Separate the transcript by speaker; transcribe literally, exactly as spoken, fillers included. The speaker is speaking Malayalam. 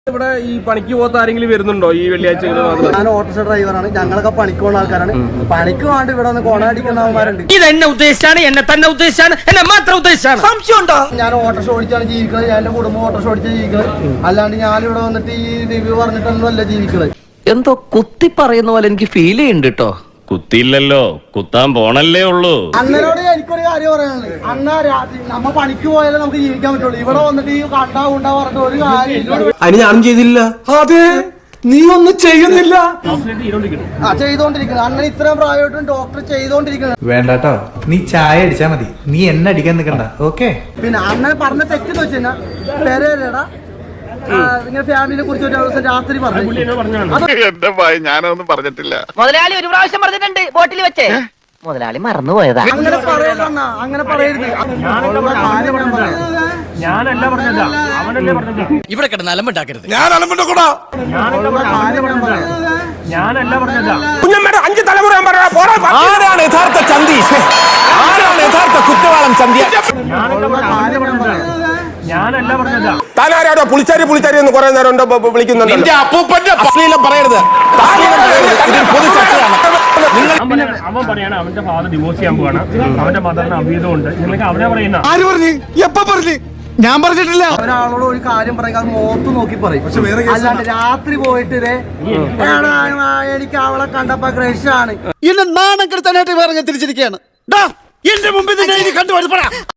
Speaker 1: ഇവിടെ ഈ പണിക്ക് പോകാത്ത ആരെങ്കിലും വരുന്നുണ്ടോ ഈ വെള്ളിയാഴ്ച?
Speaker 2: ഞാൻ ഓട്ടോറിക്ഷ ഡ്രൈവറാണ്. ഞങ്ങളൊക്കെ പണിക്ക് പോകുന്ന ആൾക്കാരാണ്. പണിക്ക് വേണ്ടി ഇവിടെ ഒന്ന് കൊണയടിക്കുന്നവന്മാരുണ്ട്.
Speaker 3: ഇത് എന്നെ ഉദ്ദേശിച്ചാണ്, എന്നെ തന്നെ ഉദ്ദേശിച്ചാണ്, എന്നെ മാത്രം ഉദ്ദേശിച്ചാണ്. സംശയം ഉണ്ടോ?
Speaker 2: ഞാൻ ഓട്ടോറിക്ഷ ഓടിച്ചാണ് ജീവിക്കുന്നത്. ഞാൻ എന്റെ കുടുംബം ഓട്ടോറിക്ഷ ഓടിച്ച് ജീവിക്കുന്നത്. അല്ലാണ്ട് ഞാൻ ഇവിടെ വന്നിട്ട് ഈ റിവ്യൂ പറഞ്ഞിട്ടൊന്നും അല്ല ജീവിക്കുന്നത്.
Speaker 3: എന്തോ കുത്തി പറയുന്ന പോലെ എനിക്ക് ഫീൽ ചെയ്യുന്നുണ്ട് കേട്ടോ.
Speaker 4: കുത്തിയില്ലല്ലോ, കുത്താൻ പോണല്ലേ ഉള്ളൂ.
Speaker 2: അണ്ണനോട് എനിക്കൊരു കാര്യം പറയാനുള്ളത്, അണ്ണ രാത്രി നമ്മ പണിക്ക് പോയാലേ നമുക്ക് ജീവിക്കാൻ പറ്റുള്ളൂ. ഇവിടെ വന്നിട്ട് ഈ കണ്ടാ ഉണ്ടാ പറഞ്ഞിട്ട് ഒരു കാര്യം
Speaker 1: അതിന് ഞാനും ചെയ്തില്ല.
Speaker 2: അതെ, നീ ഒന്നും ചെയ്യുന്നില്ല. ആ ചെയ്തോണ്ടിരിക്കുന്നത്. അണ്ണൻ ഇത്രയും പ്രായമായിട്ടും ഡോക്ടർ ചെയ്തോണ്ടിരിക്കുന്നത്.
Speaker 5: വേണ്ടാട്ടോ, നീ ചായ അടിച്ചാ മതി, നീ എന്നെ അടിക്കാൻ നിൽക്കണ്ട. ഓക്കെ.
Speaker 2: പിന്നെ അണ്ണൻ പറഞ്ഞ തെറ്റെന്ന് വെച്ച് കഴിഞ്ഞാൽ പേരേടാ നിങ്ങളുടെ ഫാമിലിയെ കുറിച്ച് ഒരു ദിവസം രാത്രി പറഞ്ഞു.
Speaker 6: എന്റെ ഭയ ഞാനൊന്നും പറഞ്ഞിട്ടില്ല.
Speaker 7: മുതലാളി ഒരു പ്രാവശ്യം പറഞ്ഞിട്ടുണ്ട് ബോട്ടിൽ വെച്ചേ. മുതലാളി മറന്നുപോയതാ.
Speaker 2: അങ്ങനെ പറയരുത്, അങ്ങനെ പറയരുത്.
Speaker 1: ഞാനല്ല പറഞ്ഞത്, അവനല്ലേ പറഞ്ഞത്.
Speaker 3: ഇവിടെ കിടന്ന് അലമ്പുണ്ടാക്കരുത്.
Speaker 6: ഞാൻ അലമ്പുണ്ടാക്കൂടാ.
Speaker 1: ഞാനല്ല പറഞ്ഞത്.
Speaker 4: കുഞ്ഞമ്മയുടെ അഞ്ച് തലമുറ ആരാണ് യഥാർത്ഥ ചന്തി? ആരാണ് യഥാർത്ഥ കുറ്റവാളം ചന്തി?
Speaker 1: ഞാനല്ല പറഞ്ഞത്.
Speaker 4: താനാരാടോ പുളിച്ചാരി പുളിച്ചാരി എന്ന് കുറെ നേരം ഉണ്ടോ വിളിക്കുന്നുണ്ട്? അപ്പൂപ്പന്റെ അശ്ലീലം പറയരുത്. പൊതു ചർച്ചയാണ്.
Speaker 1: അവൻ പറയാണ് അവന്റെ ഫാദർ ഡിവോഴ്സ് ചെയ്യാൻ പോവാണ്, അവന്റെ മദറിന് അഭീതമുണ്ട്. നിങ്ങൾക്ക് അവനെ പറയുന്ന
Speaker 5: ആര് പറഞ്ഞു? എപ്പ പറഞ്ഞു? ഞാൻ പറഞ്ഞിട്ടില്ല.
Speaker 2: ഒരാളോട് ഒരു കാര്യം പറയുക, അത് മുഖത്ത് നോക്കി പറയും. അല്ലാണ്ട് രാത്രി പോയിട്ട് എനിക്ക് അവളെ കണ്ടപ്പോ ക്രഷാണ്
Speaker 5: എന്നെ നാണം കെടുത്താനായിട്ട് പറഞ്ഞ് തിരിച്ചിരിക്കുകയാണ്. എന്റെ മുമ്പിൽ കണ്ടുപിടിപ്പടാ.